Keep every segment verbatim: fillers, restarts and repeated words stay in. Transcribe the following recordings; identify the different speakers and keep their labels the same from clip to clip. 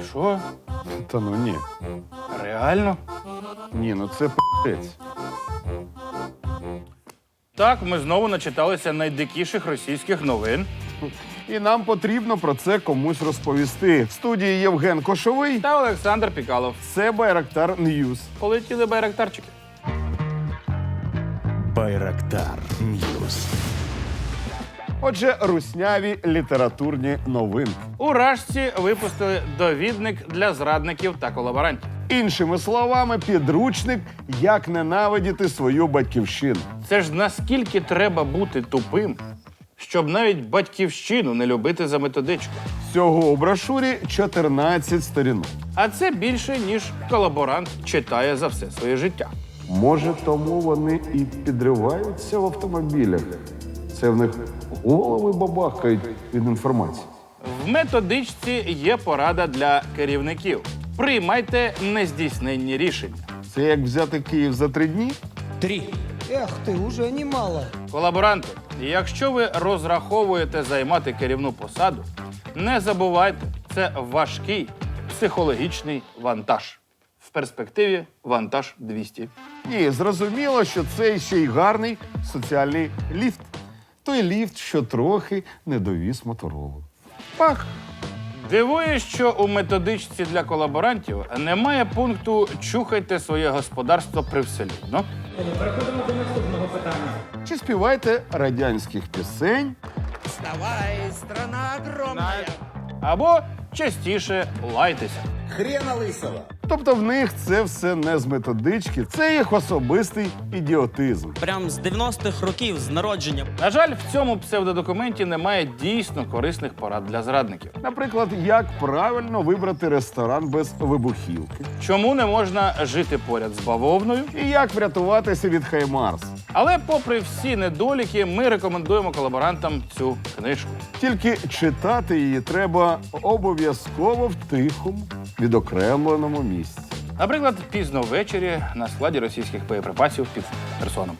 Speaker 1: Що?
Speaker 2: Та ну ні.
Speaker 1: Реально?
Speaker 2: Ні, ну це п***ець.
Speaker 1: Так, ми знову начиталися найдикіших російських новин.
Speaker 2: І нам потрібно про це комусь розповісти. В студії Євген Кошовий.
Speaker 1: Та Олександр Пікалов.
Speaker 2: Це Байрактар Ньюс.
Speaker 1: Полетіли байрактарчики.
Speaker 3: Байрактар Ньюс.
Speaker 2: Отже, русняві літературні новинки.
Speaker 1: У Рашці випустили довідник для зрадників та колаборантів.
Speaker 2: Іншими словами, підручник «Як ненавидіти свою батьківщину».
Speaker 1: Це ж наскільки треба бути тупим, щоб навіть батьківщину не любити за методичку.
Speaker 2: Всього у брошурі чотирнадцять сторінок.
Speaker 1: А це більше, ніж колаборант читає за все своє життя.
Speaker 2: Може, тому вони і підриваються в автомобілях. Це в них голови бабахкають від інформації.
Speaker 1: В методичці є порада для керівників. Приймайте нездійсненні рішення.
Speaker 2: Це як взяти Київ за три дні?
Speaker 4: Три. Эх ты, уже немало.
Speaker 1: Колаборанти, якщо ви розраховуєте займати керівну посаду, не забувайте, це важкий психологічний вантаж. В перспективі вантаж двісті.
Speaker 2: Ні, зрозуміло, що це ще й гарний соціальний ліфт. Той ліфт, що трохи не довіз моторолу.
Speaker 1: Пак. Дивує, що у методичці для колаборантів немає пункту «Чухайте своє господарство привселюдно».
Speaker 5: Переходимо до наступного питання.
Speaker 2: Чи співайте радянських пісень?
Speaker 4: Вставай, страна огромная.
Speaker 1: Або частіше лайтеся.
Speaker 3: Хрена лисого.
Speaker 2: Тобто в них це все не з методички, це їх особистий ідіотизм.
Speaker 6: Прям з дев'яностих років, з народження.
Speaker 1: На жаль, в цьому псевдодокументі немає дійсно корисних порад для зрадників.
Speaker 2: Наприклад, як правильно вибрати ресторан без вибухівки.
Speaker 1: Чому не можна жити поряд з бавовною?
Speaker 2: І як врятуватися від Хаймарс.
Speaker 1: Але попри всі недоліки, ми рекомендуємо колаборантам цю книжку.
Speaker 2: Тільки читати її треба обов'язково в тихому, відокремленому місці.
Speaker 1: Наприклад, пізно ввечері на складі російських боєприпасів під Херсоном.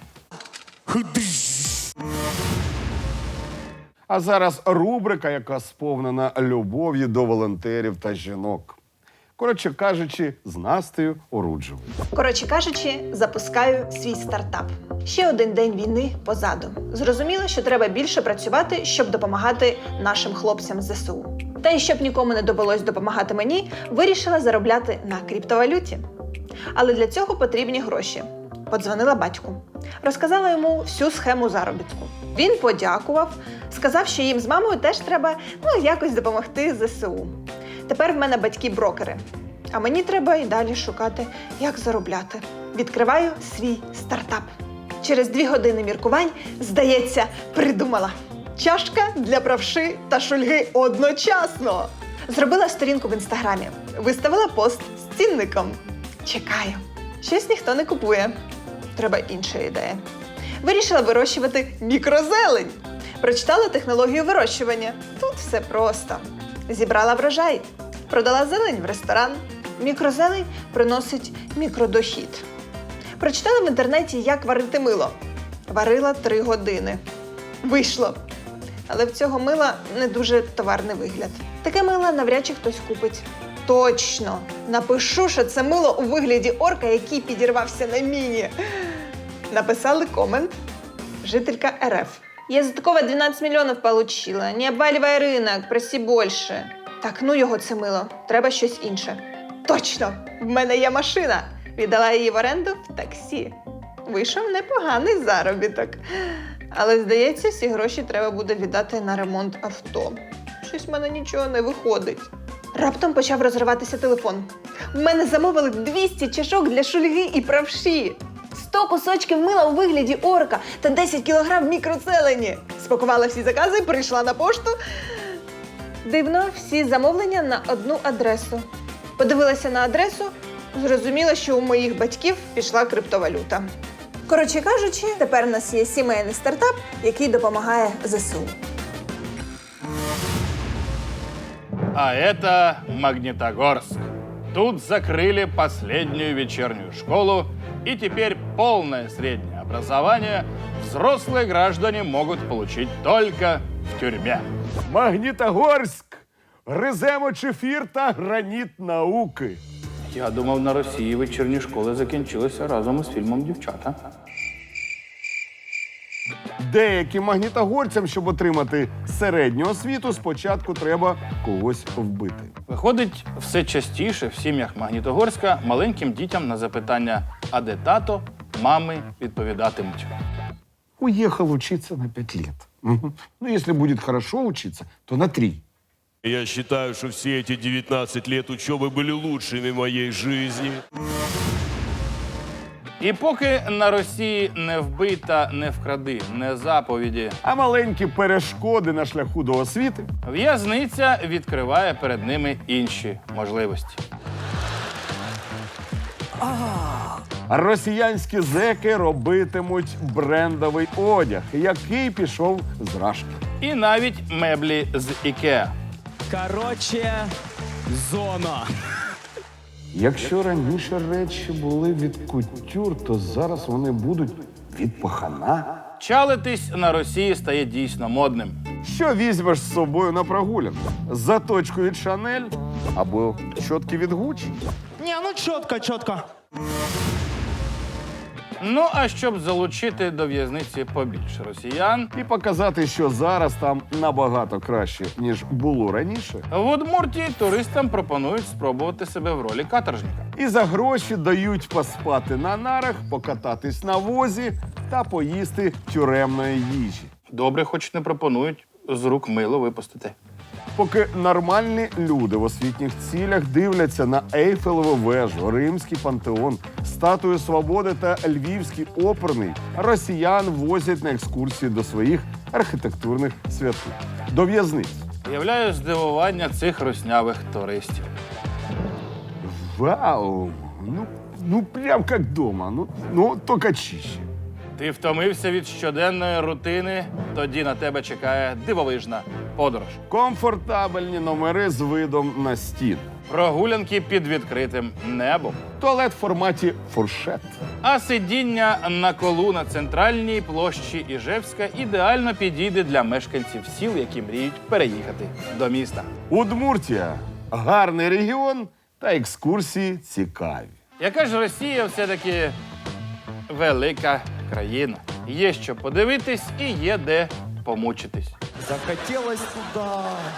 Speaker 2: А зараз рубрика, яка сповнена любов'ю до волонтерів та жінок. Коротше кажучи, з Настею Оруджевою.
Speaker 7: Коротше кажучи, запускаю свій стартап. Ще один день війни позаду. Зрозуміло, що треба більше працювати, щоб допомагати нашим хлопцям з зе се у. Та й щоб нікому не довелось допомагати мені, вирішила заробляти на криптовалюті. Але для цього потрібні гроші. Подзвонила батьку. Розказала йому всю схему заробітку. Він подякував, сказав, що їм з мамою теж треба ну, якось допомогти зе се у. Тепер в мене батьки-брокери. А мені треба і далі шукати, як заробляти. Відкриваю свій стартап. Через дві години міркувань, здається, придумала. Чашка для правши та шульги одночасно. Зробила сторінку в інстаграмі. Виставила пост з цінником. Чекаю. Щось ніхто не купує. Треба інша ідея. Вирішила вирощувати мікрозелень. Прочитала технологію вирощування. Тут все просто. Зібрала врожай. Продала зелень в ресторан. Мікрозелень приносить мікродохід. Прочитала в інтернеті, як варити мило. Варила три години. Вийшло. Але в цього мила не дуже товарний вигляд. Таке мило навряд чи хтось купить. Точно! Напишу, що це мило у вигляді орка, який підірвався на міні. Написали комент. Жителька ер еф. Я за такого дванадцять мільйонів получила. Не обваливай ринок, проси більше. Так, ну його це мило. Треба щось інше. Точно! В мене є машина. Віддала її в оренду в таксі. Вийшов непоганий заробіток. Але, здається, всі гроші треба буде віддати на ремонт авто. Щось в мене нічого не виходить. Раптом почав розриватися телефон. В мене замовили двісті чашок для шульги і правші. сто кусочків мила у вигляді орка та десять кілограм мікроцелені. Спакувала всі закази, прийшла на пошту. Дивно, всі замовлення на одну адресу. Подивилася на адресу, зрозуміла, що у моїх батьків пішла криптовалюта. Коротше кажучи, тепер у нас є сімейний стартап, який допомагає зе се у.
Speaker 1: А это Магнитогорск. Тут закрыли последнюю вечернюю школу, и теперь полное среднее образование взрослые граждане могут получить только в тюрьме.
Speaker 2: Магнітогорськ! Гриземо чефір та граніт науки.
Speaker 1: Я думав, на Росії вечірні школи закінчилися разом із фільмом «Дівчата».
Speaker 2: Деяким магнітогорцям, щоб отримати середню освіту, спочатку треба когось вбити.
Speaker 1: Виходить, все частіше в сім'ях Магнітогорська маленьким дітям на запитання «А де тато?» мами відповідатимуть.
Speaker 2: Уехал учиться на пять лет. Мгм. Ну, если будет хорошо учиться, то на три.
Speaker 8: Я считаю, что все эти девятнадцать лет учебы были лучшими в моей жизни.
Speaker 1: І поки на Росії не вбий та не вкради, не заповіді,
Speaker 2: А маленькі перешкоди на шляху до освіти
Speaker 1: в'язниця відкриває перед ними інші можливості.
Speaker 2: росіянські зеки робитимуть брендовий одяг, який пішов з Рашки.
Speaker 1: І навіть меблі з Ікеа.
Speaker 6: Короче, зона.
Speaker 2: Якщо раніше речі були від кутюр, то зараз вони будуть від пахана.
Speaker 1: Чалитись на Росії стає дійсно модним.
Speaker 2: Що візьмеш з собою на прогулянку? Заточку від Шанель або щотки від Гуччі?
Speaker 4: Не, ну четко, четко.
Speaker 1: Ну, а щоб залучити до в'язниці побільше росіян,
Speaker 2: І показати, що зараз там набагато краще, ніж було раніше.
Speaker 1: в Удмуртії туристам пропонують спробувати себе в ролі каторжника.
Speaker 2: І за гроші дають поспати на нарах, покататись на возі та поїсти тюремної їжі.
Speaker 1: Добре, хоч не пропонують з рук мило випустити.
Speaker 2: Поки нормальні люди в освітніх цілях дивляться на Ейфелеву вежу, Римський пантеон, Статую Свободи та Львівський оперний, росіян возять на екскурсії до своїх архітектурних святих – до в'язниць.
Speaker 1: Уявляю здивування цих руснявих туристів.
Speaker 2: Вау! Ну, ну прям як вдома, ну, ну тільки чище.
Speaker 1: Ти втомився від щоденної рутини, тоді на тебе чекає дивовижна подорож.
Speaker 2: Комфортабельні номери з видом на стін.
Speaker 1: Прогулянки під відкритим небом.
Speaker 2: Туалет в форматі фуршет.
Speaker 1: А сидіння на колу на центральній площі Іжевська ідеально підійде для мешканців сіл, які мріють переїхати до міста.
Speaker 2: Удмуртія – гарний регіон та екскурсії цікаві.
Speaker 1: Яка ж Росія все-таки велика країна. Є що подивитись і є де помучитись.
Speaker 4: Захотелось туда.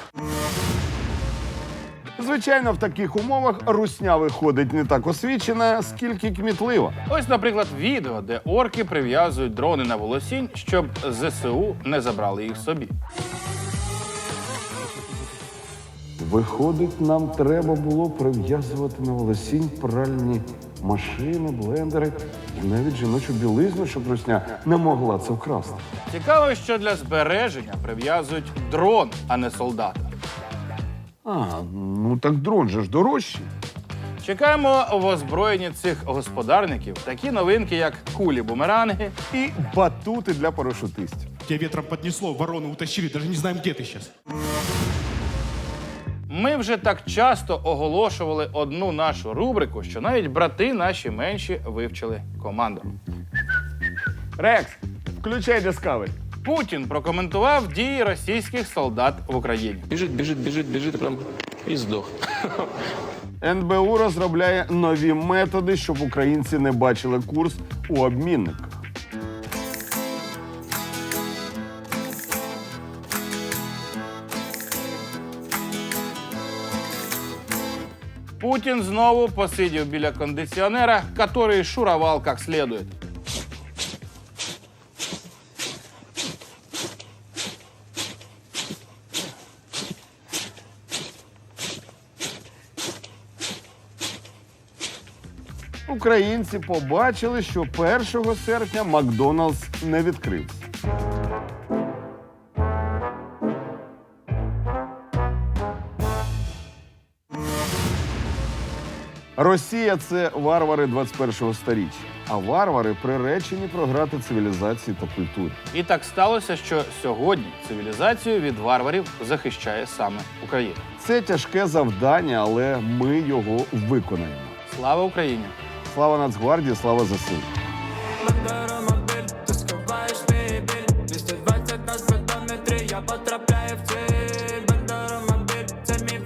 Speaker 2: Звичайно, в таких умовах русня виходить не так освічена, скільки кмітлива.
Speaker 1: Ось, наприклад, відео, де орки прив'язують дрони на волосінь, щоб ЗСУ не забрали їх собі.
Speaker 2: Виходить, нам треба було прив'язувати на волосінь пральні машини, блендери і навіть жіночу білизну, щоб русня не могла це вкрасти.
Speaker 1: Цікаво, що для збереження прив'язують дрон, а не солдата.
Speaker 2: А, ну так дрон же ж дорожчий.
Speaker 1: Чекаємо в озброєнні цих господарників такі новинки, як кулі-бумеранги,
Speaker 2: І батути для парашутистів.
Speaker 9: Тебя ветром поднесло, ворону утащили, даже не знаем, где ты сейчас.
Speaker 1: Ми вже так часто оголошували одну нашу рубрику, що навіть брати наші менші вивчили команду.
Speaker 2: Рекс, включай Discovery.
Speaker 1: Путін прокоментував дії російських солдат в Україні.
Speaker 10: Біжить, біжить, біжить, біжить, прям і здох.
Speaker 2: ен бе у розробляє нові методи, щоб українці не бачили курс у обмінниках.
Speaker 1: Путін знову посидів біля кондиціонера, який шуровал як слідує.
Speaker 2: Українці побачили, що першого серпня Макдоналдс не відкрився. Росія – це варвари двадцять першого сторіччя, а варвари приречені програти цивілізації та культурі.
Speaker 1: І так сталося, що сьогодні цивілізацію від варварів захищає саме Україна.
Speaker 2: Це тяжке завдання, але ми його виконаємо.
Speaker 1: Слава Україні!
Speaker 2: Слава Нацгвардії, слава зе се у!
Speaker 11: двісті двадцять на спидометрі, я потрапляю в ціль. Бандера мобіль, це мій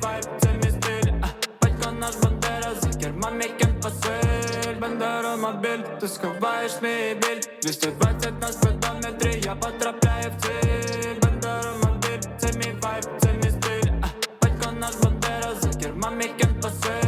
Speaker 11: пиль, бандеромобіль, ти сховаєш мій біль. двісті двадцять на спидометрі, я потрапляю в ціль. Бандеромобіль, це мій вайб, це мій стиль. А, батько наш Бандера, за кермом мій кент пасе.